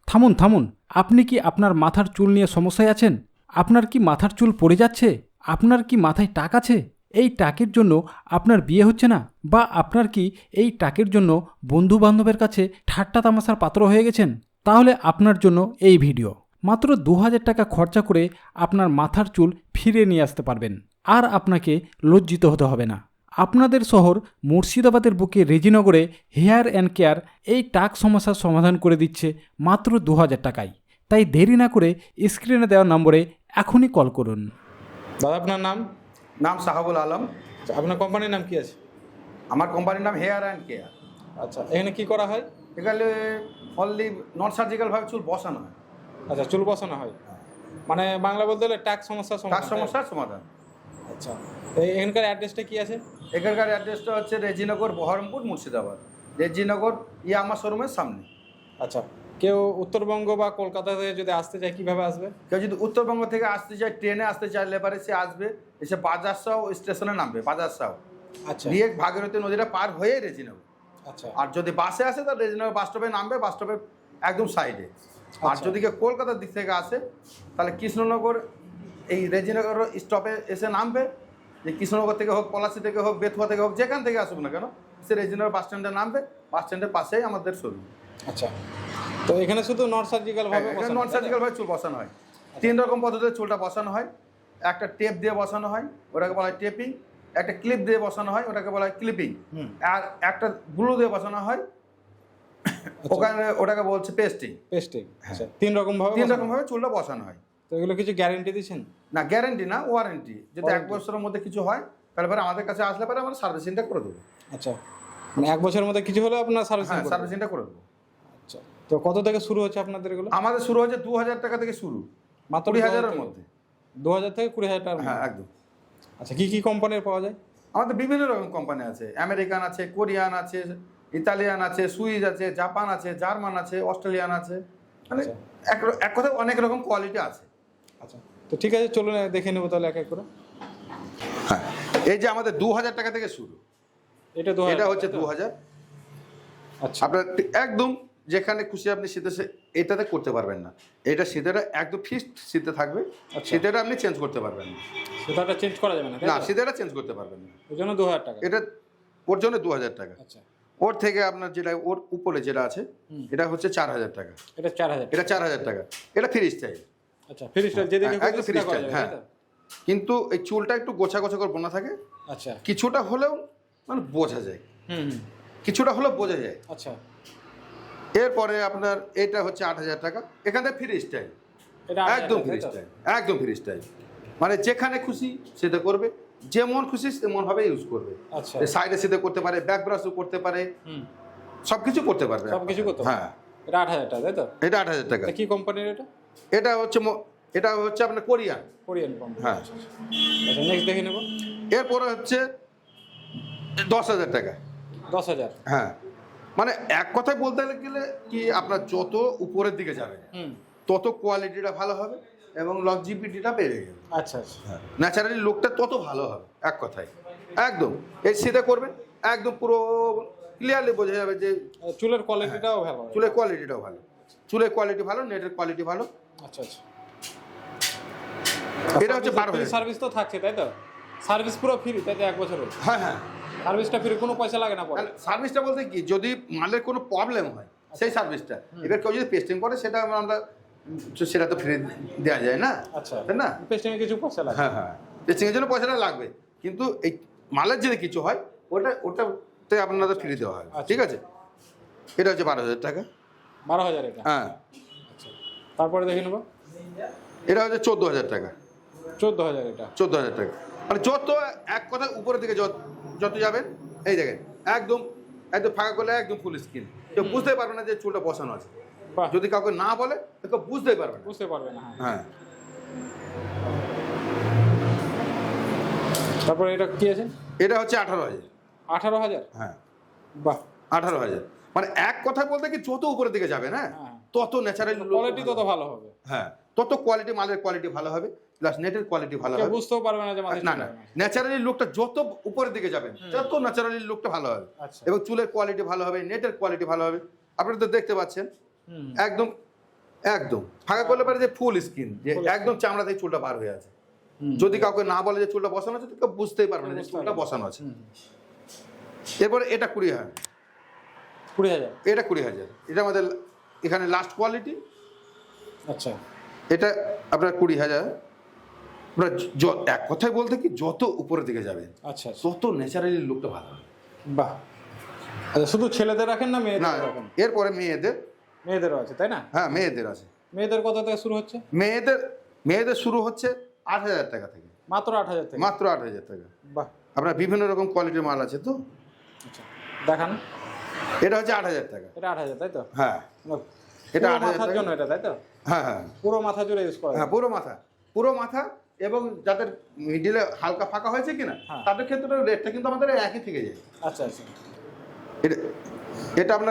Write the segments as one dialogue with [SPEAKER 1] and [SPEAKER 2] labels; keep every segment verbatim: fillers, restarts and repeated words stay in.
[SPEAKER 1] থামুন থামুন, আপনি কি আপনার মাথার চুল নিয়ে সমস্যায় আছেন? আপনার কি মাথার চুল পড়ে যাচ্ছে? আপনার কি মাথায় টাক আছে? এই টাকের জন্য আপনার বিয়ে হচ্ছে না? বা আপনার কি এই টাকের জন্য বন্ধু বান্ধবের কাছে ঠাট্টা তামাশার পাত্র হয়ে গেছেন? তাহলে আপনার জন্য এই ভিডিও। মাত্র দু হাজার টাকা খরচা করে আপনার মাথার চুল ফিরে নিয়ে আসতে পারবেন, আর আপনাকে লজ্জিত হতে হবে না। আপনাদের শহর মুর্শিদাবাদের বুকে রেজিনগরে হেয়ার অ্যান্ড কেয়ার এই টাক সমস্যার সমাধান করে দিচ্ছে মাত্র দু হাজার টাকায়। তাই দেরি না করে স্ক্রিনে দেওয়া নম্বরে এখনই কল করুন।
[SPEAKER 2] দাদা আপনার নাম?
[SPEAKER 3] নাম সাহাবুল আলম।
[SPEAKER 2] আচ্ছা, আপনার কোম্পানির নাম কি আছে?
[SPEAKER 3] আমার কোম্পানির নাম হেয়ার অ্যান্ড কেয়ার।
[SPEAKER 2] আচ্ছা, এখানে কি করা হয়?
[SPEAKER 3] এখানে অনলি নন সার্জিক্যালভাবে চুল বসানো হয়।
[SPEAKER 2] আচ্ছা, চুল বসানো হয়, মানে বাংলা বলতে গেলে টাক সমস্যার
[SPEAKER 3] তার
[SPEAKER 2] সমাধান।
[SPEAKER 3] সমস্যার সমাধান।
[SPEAKER 2] আচ্ছা, তো এখানকার অ্যাড্রেসটা কি আছে?
[SPEAKER 3] এখানকার অ্যাড্রেসটা হচ্ছে রেজিনগর, বহরমপুর, মুর্শিদাবাদ। রেজিনগর ইয়ামা শোরুমের সামনে।
[SPEAKER 2] আচ্ছা, কেউ উত্তরবঙ্গ বা কলকাতা থেকে যদি আসতে চায় কীভাবে আসবে?
[SPEAKER 3] কেউ যদি উত্তরবঙ্গ থেকে আসতে চায়, ট্রেনে আসতে চাইলে এবারে সে আসবে, এসে বাজারসাও স্টেশনে নামবে। বাজারসাও
[SPEAKER 2] আচ্ছা
[SPEAKER 3] দিয়ে ভাগীরথী নদীটা পার হয়ে রেজিনগর।
[SPEAKER 2] আচ্ছা,
[SPEAKER 3] আর যদি বাসে আসে তাহলে রেজিনগর বাস স্টপে নামবে, বাস স্টপের একদম সাইডে। আর
[SPEAKER 2] আচ্ছা।
[SPEAKER 3] যদি কেউ কলকাতার দিক থেকে আসে তাহলে কৃষ্ণনগর এই রেজিনগর স্টপে এসে নামবে। যে কৃষ্ণনগর থেকে হোক, পলাশি থেকে হোক, বেথুয়া থেকে হোক, যেখান থেকে আসুক না কেন, সে রেজিনগর বাস স্ট্যান্ডে নামবে। বাস স্ট্যান্ডের পাশেই আমাদের শোরুম।
[SPEAKER 2] আচ্ছা, তো এখানে শুধু নন সার্জিক্যাল ভাবে
[SPEAKER 3] এখানে নন সার্জিক্যাল ভাবে চুল বসানো হয়। তিন রকম পদ্ধতিতে চুলটা বসানো হয়। একটা টেপ দিয়ে বসানো হয়, ওটাকে বলা হয় টেপিং। একটা ক্লিপ দিয়ে বসানো হয়, ওটাকে বলা হয় ক্লিপিং। আর একটা গ্লু দিয়ে বসানো হয়, ওখানে ওটাকে বলছে পেস্টিং।
[SPEAKER 2] পেস্টিং। আচ্ছা, তিন রকম ভাবে
[SPEAKER 3] তিন রকম ভাবে চুলটা বসানো হয়।
[SPEAKER 2] তো এগুলো কিছু গ্যারান্টি দিচ্ছেন?
[SPEAKER 3] না, গ্যারেন্টি না, ওয়ারেন্টি। যদি এক বছরের মধ্যে কিছু হয় তাহলে পরে আমাদের কাছে আসলে পরে আমরা সার্ভিসিংটা করে দেবো।
[SPEAKER 2] আচ্ছা, মানে এক বছরের মধ্যে কিছু হলে আপনার সার্ভিসিং?
[SPEAKER 3] হ্যাঁ, সার্ভিসিংটা করে দেবো।
[SPEAKER 2] আচ্ছা, তো কত থেকে শুরু হচ্ছে আপনাদের এগুলো?
[SPEAKER 3] আমাদের শুরু হচ্ছে দু হাজার টাকা থেকে শুরু,
[SPEAKER 2] মাত্র
[SPEAKER 3] কুড়ি হাজারের মধ্যে।
[SPEAKER 2] দু হাজার থেকে কুড়ি হাজার টাকা?
[SPEAKER 3] হ্যাঁ, একদম।
[SPEAKER 2] আচ্ছা, কি কি কোম্পানির পাওয়া যায়?
[SPEAKER 3] আমাদের বিভিন্ন রকম কোম্পানি আছে। আমেরিকান আছে, কোরিয়ান আছে, ইতালিয়ান আছে, সুইস আছে, জাপান আছে, জার্মান আছে, অস্ট্রেলিয়ান আছে। মানে এক এক কথায় অনেক রকম কোয়ালিটি আছে।
[SPEAKER 2] আচ্ছা, তো ঠিক আছে, চলুন দেখে নেবো তাহলে এক এক করে।
[SPEAKER 3] হ্যাঁ, এই যে আমাদের দু হাজার টাকা থেকে শুরু।
[SPEAKER 2] এটা দু
[SPEAKER 3] এটা হচ্ছে দু হাজার।
[SPEAKER 2] আচ্ছা,
[SPEAKER 3] আপনার একদম যেখানে খুশি আপনি শীতে এটাতে করতে পারবেন না। এটা শীতেটা একদম ফিক্সড শীতে থাকবে। শীতেটা আপনি চেঞ্জ করতে পারবেন না।
[SPEAKER 2] সেটা চেঞ্জ করা যাবে না?
[SPEAKER 3] না, শীতেটা চেঞ্জ করতে পারবেন না।
[SPEAKER 2] ওই জন্য দু হাজার টাকা।
[SPEAKER 3] এটা ওর জন্য দু হাজার টাকা।
[SPEAKER 2] আচ্ছা,
[SPEAKER 3] ওর থেকে আপনার যেটা ওর উপরে যেটা আছে এটা হচ্ছে চার হাজার টাকা।
[SPEAKER 2] এটা চার হাজার?
[SPEAKER 3] এটা চার হাজার টাকা। এটা ফ্রি স্টাইল।
[SPEAKER 2] আচ্ছা, ফ্রি স্টাইল যেদিকে
[SPEAKER 3] একদম ফ্রি স্টাইল। হ্যাঁ, কিন্তু এই চুলটা একটু গোছা গোছা করে বোনা থাকে।
[SPEAKER 2] আচ্ছা,
[SPEAKER 3] কিছুটা হলেও মানে বোঝা যায়।
[SPEAKER 2] হুম,
[SPEAKER 3] কিছুটা হলেও বোঝা যায়।
[SPEAKER 2] আচ্ছা।
[SPEAKER 3] এরপরে আপনার এটা হচ্ছে আট হাজার টাকা। এখান থেকে ফ্রি স্টাইল, একদম ফ্রি স্টাইল, একদম ফ্রি স্টাইল। মানে যেখানে খুশি সেটা করবে, যেমন খুশি তেমন ভাবে ইউজ করবে।
[SPEAKER 2] আচ্ছা,
[SPEAKER 3] সাইডে সিধে করতে পারে, ব্যাক ব্রাশও করতে পারে, সবকিছু করতে পারবে।
[SPEAKER 2] সবকিছু করতে পারবে।
[SPEAKER 3] হ্যাঁ,
[SPEAKER 2] এটা আট হাজার টাকা, তাই তো?
[SPEAKER 3] এটা আট হাজার টাকা।
[SPEAKER 2] কি কোম্পানির এটা?
[SPEAKER 3] এটা হচ্ছে এটা হচ্ছে আপনার কোরিয়ান।
[SPEAKER 2] Korean company.
[SPEAKER 3] হ্যাঁ।
[SPEAKER 2] আচ্ছা, নেক্সট দেখে নেব।
[SPEAKER 3] এরপরে হচ্ছে দশ হাজার টাকা।
[SPEAKER 2] দশ হাজার?
[SPEAKER 3] হ্যাঁ, মানে এক কথায় বলতে গেলে কি, আপনার যত উপরের দিকে যাবে তত কোয়ালিটিটা ভালো হবে এবং লংজিভিটিটা বেড়ে যাবে।
[SPEAKER 2] আচ্ছা আচ্ছা,
[SPEAKER 3] ন্যাচারালি লুকটা তত ভালো হবে। এক কথায় একদম এই সিধে করবেন, একদম পুরো ক্লিয়ারলি বোঝা যাবে যে
[SPEAKER 2] চুলের কোয়ালিটিটাও ভালো।
[SPEAKER 3] চুলের কোয়ালিটিটাও ভালো, চুলের কোয়ালিটি ভালো, নেটের কোয়ালিটি ভালো।
[SPEAKER 2] আচ্ছা আচ্ছা,
[SPEAKER 3] এটা হচ্ছে বারো হাজার।
[SPEAKER 2] সার্ভিস তো থাকছে, তাই তো? সার্ভিস পুরো ফ্রি, তাই তো? এক বছরের?
[SPEAKER 3] হ্যাঁ হ্যাঁ,
[SPEAKER 2] সার্ভিসটা ফ্রি, কোনো পয়সা লাগে না? পরে
[SPEAKER 3] সার্ভিসটা বলতে কি, যদি মালের কোনো প্রবলেম হয় সেই সার্ভিসটা। এবার কেউ যদি পেস্টিং করে সেটা আমরা সেটা তো ফ্রি দেওয়া যায় না।
[SPEAKER 2] আচ্ছা,
[SPEAKER 3] তাই না?
[SPEAKER 2] পেস্টিং এর কিছু পয়সা লাগে?
[SPEAKER 3] হ্যাঁ হ্যাঁ, পেস্টিংয়ের জন্য পয়সাটা লাগবে, কিন্তু এই মালের যদি কিছু হয় ওটা ওটাতে আপনাদের ফ্রি দেওয়া হয়। ঠিক আছে, এটা হচ্ছে বারো হাজার টাকা।
[SPEAKER 2] বারো হাজার এটা?
[SPEAKER 3] হ্যাঁ।
[SPEAKER 2] আচ্ছা, তারপরে দেখে নেবো।
[SPEAKER 3] এটা হচ্ছে চোদ্দো হাজার টাকা।
[SPEAKER 2] চোদ্দো হাজার? এটা
[SPEAKER 3] চোদ্দো হাজার টাকা। মানে যত এক কথা উপরের দিকে যত যত যাবেন, এই দেখেন একদম একদম ফাঁকা করলে একদম ফুল স্কিন, কেউ বুঝতে পারবে না যে চুলটা বসানো আছে। যদি কাউকে না বলে তো কেউ বুঝতেই পারবে না।
[SPEAKER 2] বুঝতে পারবে না।
[SPEAKER 3] হ্যাঁ,
[SPEAKER 2] তারপরে এটা কি আছে?
[SPEAKER 3] এটা হচ্ছে আঠারো হাজার।
[SPEAKER 2] আঠারো হাজার?
[SPEAKER 3] হ্যাঁ,
[SPEAKER 2] বাহ,
[SPEAKER 3] আঠারো হাজার। মানে এক কথা বলতে কি, যত উপরের দিকে যাবে না তত ন্যাচারালি
[SPEAKER 2] কোয়ালিটি তত ভালো হবে।
[SPEAKER 3] হ্যাঁ, তত কোয়ালিটি, মালের কোয়ালিটি ভালো হবে, প্লাস নেটের কোয়ালিটি ভালো হবে।
[SPEAKER 2] বুঝতেও পারবে না যে
[SPEAKER 3] না না, ন্যাচারালি লুকটা যত উপরের দিকে যাবেন তত ন্যাচারালি লুকটা ভালো হবে। এবং চুলের কোয়ালিটি ভালো হবে, নেটের কোয়ালিটি ভালো হবে। আপনারা তো দেখতে পাচ্ছেন একদম একদম ফাঁকা করলে পারে যে ফুল স্কিন, যে একদম চামড়া থেকে চুলটা বার হয়ে আছে। যদি কাউকে না বলে যে চুলটা বসানো আছে, তো কেউ বুঝতেই পারবে না যে চুলটা বসানো আছে। এরপরে এটা কুড়ি হাজার
[SPEAKER 2] কুড়ি হাজার
[SPEAKER 3] এটা কুড়ি হাজার এটা আমাদের এখানে লাস্ট কোয়ালিটি।
[SPEAKER 2] আচ্ছা,
[SPEAKER 3] এটা আপনার কুড়ি হাজার। আপনার য- এক কথায় বলতে কি, যত উপরের দিকে যাবেন
[SPEAKER 2] আচ্ছা,
[SPEAKER 3] তত ন্যাচারালি লুকটা ভালো হবে।
[SPEAKER 2] বাহ। আচ্ছা, শুধু ছেলেদের রাখেন না
[SPEAKER 3] না,
[SPEAKER 2] মেয়েদের রাখেন?
[SPEAKER 3] এরপরে মেয়েদের,
[SPEAKER 2] মেয়েদেরও আছে তাই না?
[SPEAKER 3] হ্যাঁ মেয়েদের আছে।
[SPEAKER 2] মেয়েদের কত থেকে শুরু হচ্ছে?
[SPEAKER 3] মেয়েদের মেয়েদের শুরু হচ্ছে আট হাজার টাকা থেকে,
[SPEAKER 2] মাত্র আট হাজার থেকে?
[SPEAKER 3] মাত্র আট হাজার টাকা।
[SPEAKER 2] বাহ,
[SPEAKER 3] আপনার বিভিন্ন রকম কোয়ালিটির মাল আছে তো।
[SPEAKER 2] আচ্ছা দেখান।
[SPEAKER 3] এটা হচ্ছে আট হাজার টাকা।
[SPEAKER 2] এটা আট হাজার তাই তো?
[SPEAKER 3] হ্যাঁ
[SPEAKER 2] এটা
[SPEAKER 3] এটা আট হাজার
[SPEAKER 2] মাথার
[SPEAKER 3] টাকা।
[SPEAKER 2] জন্য এটা তাই তো?
[SPEAKER 3] হ্যাঁ হ্যাঁ
[SPEAKER 2] পুরো মাথা জুড়ে ইউজ করা
[SPEAKER 3] হ্যাঁ
[SPEAKER 2] যায়?
[SPEAKER 3] পুরো মাথা, পুরো মাথা। এবং যাদের মিডিলে হালকা ফাঁকা হয়েছে কিনা,
[SPEAKER 2] হ্যাঁ।
[SPEAKER 3] তাদের ক্ষেত্রে রেটটা কিন্তু আমাদের একই থেকে যায়।
[SPEAKER 2] আচ্ছা আচ্ছা,
[SPEAKER 3] এটা এটা আপনার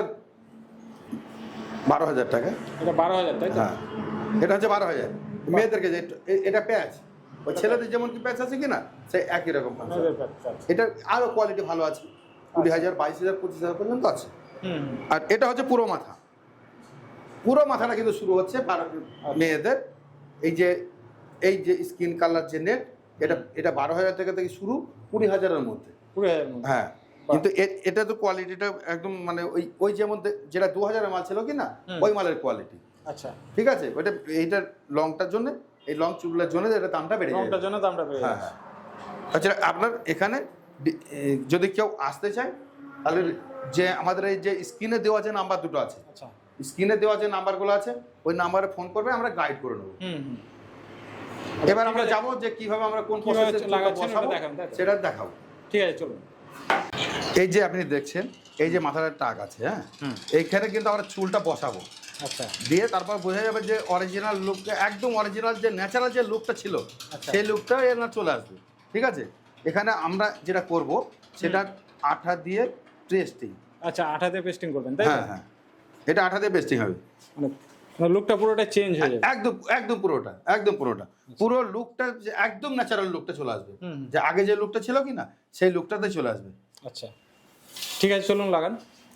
[SPEAKER 3] বারো হাজার টাকা।
[SPEAKER 2] এটা বারো হাজার তাই তো?
[SPEAKER 3] হ্যাঁ এটা হচ্ছে বারো হাজার। মেয়েদেরকে যে এ- এটা প্যাচ, ওই ছেলেদের যেমন কি প্যাচ আছে কিনা, সেই একই রকম concept।
[SPEAKER 2] মেয়েদের আচ্ছা, আচ্ছা।
[SPEAKER 3] এটা আরও কোয়ালিটি ভালো আছে, কুড়ি হাজার বাইশ হাজার পঁচিশ হাজার পর্যন্ত আছে।
[SPEAKER 2] হুম হুম।
[SPEAKER 3] আর এটা হচ্ছে পুরো মাথা। পুরো মাথাটা কিন্তু শুরু হচ্ছে বারো- মেয়েদের এই যে এই যে স্কিন কালার যে নেট, এটা এটা বারো হাজার টাকা থেকে শুরু, কুড়ি হাজারের মধ্যে।
[SPEAKER 2] কুড়ি হাজার মধ্যে?
[SPEAKER 3] হ্যাঁ কিন্তু এ- এটা তো কোয়ালিটিটা একদম মানে ওই ওই যেমন দে- যেটা দু হাজারের মাল ছিল কি না,
[SPEAKER 2] হুম।
[SPEAKER 3] ওই মালের কোয়ালিটি।
[SPEAKER 2] আচ্ছা,
[SPEAKER 3] ঠিক আছে, ওইটা এইটার লংটার জন্য, এই লং চুলের জন্য এটা দামটা বেড়ে যাবে।
[SPEAKER 2] রংটার জন্য দামটা বেড়ে
[SPEAKER 3] হ্যাঁ
[SPEAKER 2] যাচ্ছে।
[SPEAKER 3] হ্যাঁ। আচ্ছা আপনার এখানে ডি- এ, যদি কেউ আসতে চায়, তাহলে যে আমাদের এই যে স্ক্রিনে দেওয়া যে নাম্বার দুটো আছে,
[SPEAKER 2] আচ্ছা,
[SPEAKER 3] স্ক্রিনে দেওয়া যে নাম্বারগুলো আছে, ওই নাম্বারে ফোন করবে, আমরা গাইড করে নেবো।
[SPEAKER 2] হুম হুম।
[SPEAKER 3] এবার
[SPEAKER 2] ঠিক
[SPEAKER 3] আমরা
[SPEAKER 2] আছে।
[SPEAKER 3] যাবো যে কিভাবে আমরা কোন
[SPEAKER 2] কিভাবে
[SPEAKER 3] প্রসেসে
[SPEAKER 2] লাগাচ্ছেন
[SPEAKER 3] বসাবো,
[SPEAKER 2] ওটা দেখান, তাই তো?
[SPEAKER 3] সেটা দেখাবো।
[SPEAKER 2] ঠিক আছে, চলুন।
[SPEAKER 3] এই যে আপনি দেখছেন, এই যে মাথার টাক আছে, হ্যাঁ
[SPEAKER 2] হুম।
[SPEAKER 3] এইখানে কিন্তু আমরা চুলটা বসাবো,
[SPEAKER 2] আচ্ছা
[SPEAKER 3] দিয়ে তারপর বোঝা যাবে যে অরিজিনাল লুকটা, একদম অরিজিনাল যে ন্যাচারাল যে লুকটা ছিল,
[SPEAKER 2] আচ্ছা।
[SPEAKER 3] সেই লুকটা এনার চলে আসবে। ঠিক আছে, এখানে আমরা যেটা করব সেটা আঠা দিয়ে টেস্টিং।
[SPEAKER 2] আচ্ছা, আঠাতে পেস্টিং করবেন তাই তো?
[SPEAKER 3] হ্যাঁ হ্যাঁ এটা আঠা দিয়ে পেস্টিং হবে।
[SPEAKER 2] মানে লুকটা পুরোটা চেঞ্জ হয়ে যাবে?
[SPEAKER 3] একদম একদম পুরোটা, একদম পুরোটা, পুরো লুকটা যে একদম ন্যাচারাল লুকটা চলে আসবে।
[SPEAKER 2] হুম হুম।
[SPEAKER 3] যে আগে যে লুকটা ছিল কি না, সেই লুকটাতে চলে আসবে।
[SPEAKER 2] আচ্ছা ঠিক আছে, চলুন লাগান।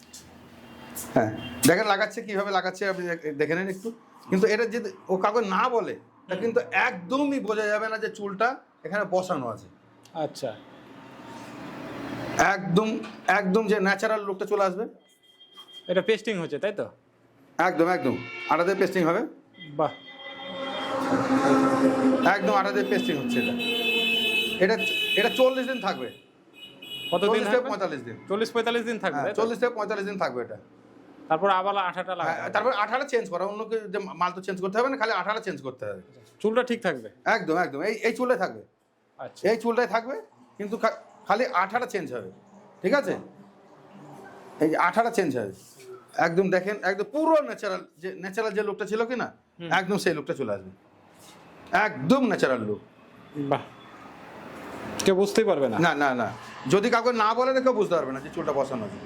[SPEAKER 3] হ্যাঁ দেখেন লাগাচ্ছে, কিভাবে লাগাচ্ছে আপনি দেখ- দেখে নেন একটু। কিন্তু এটা যদি ও কাউকে না বলে, তা কিন্তু একদমই বোঝা যাবে না যে চুলটা এখানে বসানো আছে।
[SPEAKER 2] আচ্ছা,
[SPEAKER 3] একদম একদম যে ন্যাচারাল লুকটা চলে আসবে।
[SPEAKER 2] এটা পেস্টিং হচ্ছে তাই তো?
[SPEAKER 3] একদম একদম আটা দিয়ে পেস্টিং হবে,
[SPEAKER 2] বাহ,
[SPEAKER 3] একদম আটা দিয়ে পেস্টিং হচ্ছে এটা। এটা এটা চল্লিশ দিন থাকবে,
[SPEAKER 2] কতদিন
[SPEAKER 3] চল্লিশ থেকে
[SPEAKER 2] থাকবে?
[SPEAKER 3] পঁয়তাল্লিশ দিন।
[SPEAKER 2] চল্লিশ পঁয়তাল্লিশ দিন থাকবে
[SPEAKER 3] হ্যাঁ
[SPEAKER 2] তাই তো?
[SPEAKER 3] চল্লিশ থেকে পঁয়তাল্লিশ দিন থাকবে এটা।
[SPEAKER 2] তারপর আবার আঠাটা
[SPEAKER 3] হ্যাঁ,
[SPEAKER 2] লাগাবে?
[SPEAKER 3] তারপর আঠাটা চেঞ্জ করা, অন্য কেউ যে মাল তো চেঞ্জ করতে হবে না, খালি আঠাটা চেঞ্জ করতে হবে।
[SPEAKER 2] চুলটা ঠিক থাকবে?
[SPEAKER 3] একদম একদম এই এই চুলটাই থাকবে,
[SPEAKER 2] আচ্ছা,
[SPEAKER 3] এই চুলটাই থাকবে, কিন্তু খা- খালি আঠাটা চেঞ্জ হবে। ঠিক আছে, এই যে আঠাটা চেঞ্জ হবে। একদম দেখেন, একদম পুরো ন্যাচারাল যে ন্যাচারাল যে লুকটা ছিল কি না, একদম সেই লুকটা চলে আসবে। একদম ন্যাচারাল লুক।
[SPEAKER 2] বাহ, কেউ বুঝতেই পারবে না?
[SPEAKER 3] না না না যদি কাউকে না বলে কেউ বুঝতে পারবে না যে চুলটা বসানো আছে।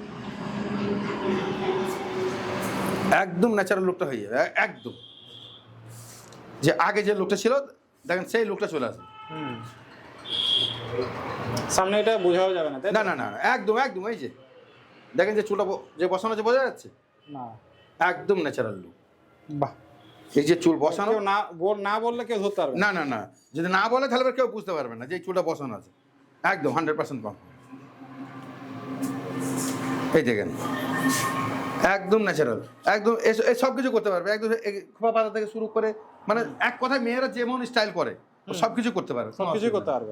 [SPEAKER 3] একদম ন্যাচারাল লুকটা হয়ে যাবে, এ- একদম যে আগে যে লুকটা ছিল, দেখেন সেই লুকটা চলে আসবে।
[SPEAKER 2] হুম। সামনে এটা বোঝাও যাবে না তাই তো?
[SPEAKER 3] না না না না, একদম একদম এই যে দেখেন যে চুলটা ব- যে বসানো আছে, বোঝা যাচ্ছে
[SPEAKER 2] না।
[SPEAKER 3] একদম ন্যাচারাল লুক।
[SPEAKER 2] বাহ,
[SPEAKER 3] এই যে চুল বসানো,
[SPEAKER 2] কেউ না বল না বললে কেউ ধরতে পারবে না?
[SPEAKER 3] না না না যদি না বলে তাহলে এবার কেউ বুঝতে পারবে না যে এই চুলটা বসানো আছে। একদম হান্ড্রেড পার্সেন্ট কম। এই দেখেন একদম ন্যাচারাল, একদম এস- এই সব কিছু করতে পারবে। একদম এই খোপা পাতা থেকে শুরু করে, মানে এক কথায় মেয়েরা যেমন স্টাইল করে ও সব কিছু করতে পারবে,
[SPEAKER 2] সব কিছুই করতে পারবে।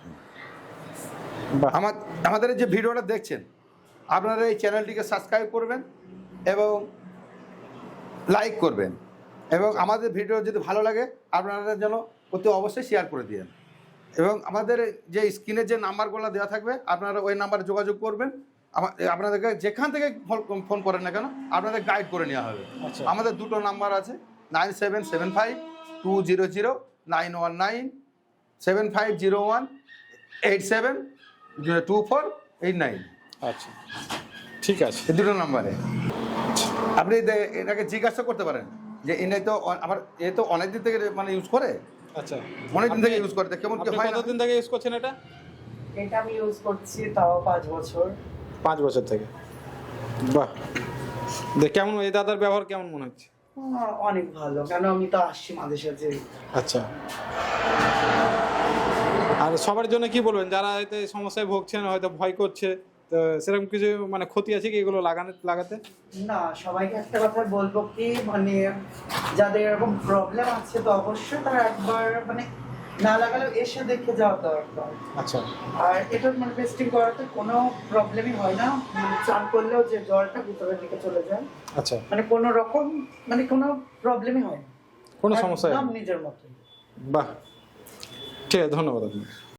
[SPEAKER 2] বাহ,
[SPEAKER 3] আমার আমাদের এই যে ভিডিওটা দেখছেন, আপনারা এই চ্যানেলটিকে সাবস্ক্রাইব করবেন এবং লাইক করবেন, এবং আমাদের ভিডিও যদি ভালো লাগে আপনারা যেন অতি অবশ্যই শেয়ার করে দিন। এবং আমাদের যে স্ক্রিনে যে নাম্বারগুলো দেওয়া থাকবে, আপনারা ওই নাম্বারে যোগাযোগ করবেন। আমা- আপনাদেরকে যেখান থেকে ফোন ফোন করেন না কেন, আপনাদের গাইড করে নেওয়া হবে।
[SPEAKER 2] আচ্ছা।
[SPEAKER 3] আমাদের দুটো নাম্বার আছে, nine seven seven five two zero zero nine one nine, seven five zero one eight seven two four eight nine.
[SPEAKER 2] আচ্ছা ঠিক আছে।
[SPEAKER 3] এই দুটো নাম্বারে আপনি দে- এটাকে জিজ্ঞাসা করতে পারেন যে এনে তো অ- আমার এ তো অনেক দিন থেকে মানে ইউজ করে,
[SPEAKER 2] আচ্ছা,
[SPEAKER 3] অনেক দিন থেকে ইউজ করে, তা কেমন কি
[SPEAKER 2] আপনি
[SPEAKER 3] হয় না?
[SPEAKER 2] কতদিন থেকে ইউজ করছেন এটা?
[SPEAKER 4] এটা আমি ইউজ করছি তাও পাঁচ বছর।
[SPEAKER 2] পাঁচ বছর থেকে। বাহ, দেখ কেমন এই দাদার ব্যবহার কেমন মনে হচ্ছে?
[SPEAKER 4] আহ, অনেক ভালো, কেন আমি তো আসছি মাঝে সাঝে।
[SPEAKER 2] আচ্ছা, আর সবার জন্য কি বলবেন যারা হয়তো এই সমস্যায় ভুগছেন, হয়তো ভয় করছে, তো সেরকম কিছু মানে ক্ষতি আছে কি এগুলো লাগানো লাগাতে?
[SPEAKER 4] না, সবাইকে একটা কথা বলবো কি, মানে যাদের এরকম প্রবলেম আছে তো অবশ্যই তারা একবার মানে না লাগালেও এসে দেখে যাওয়া দরকার।
[SPEAKER 2] আচ্ছা,
[SPEAKER 4] আর এটা মানে টেস্টিং করাতে কোনো প্রবলেমই হয় না, মানে চান করলেও যে জলটা ভিতরের দিকে চলে যায়,
[SPEAKER 2] আচ্ছা,
[SPEAKER 4] মানে কোনো রকম মানে কোনো প্রবলেমই হয় না,
[SPEAKER 2] কোনো সমস্যা
[SPEAKER 4] একদম
[SPEAKER 2] নেই।
[SPEAKER 4] নিজের মতো।
[SPEAKER 2] বাহ, ঠিক আছে, ধন্যবাদ আপনাকে।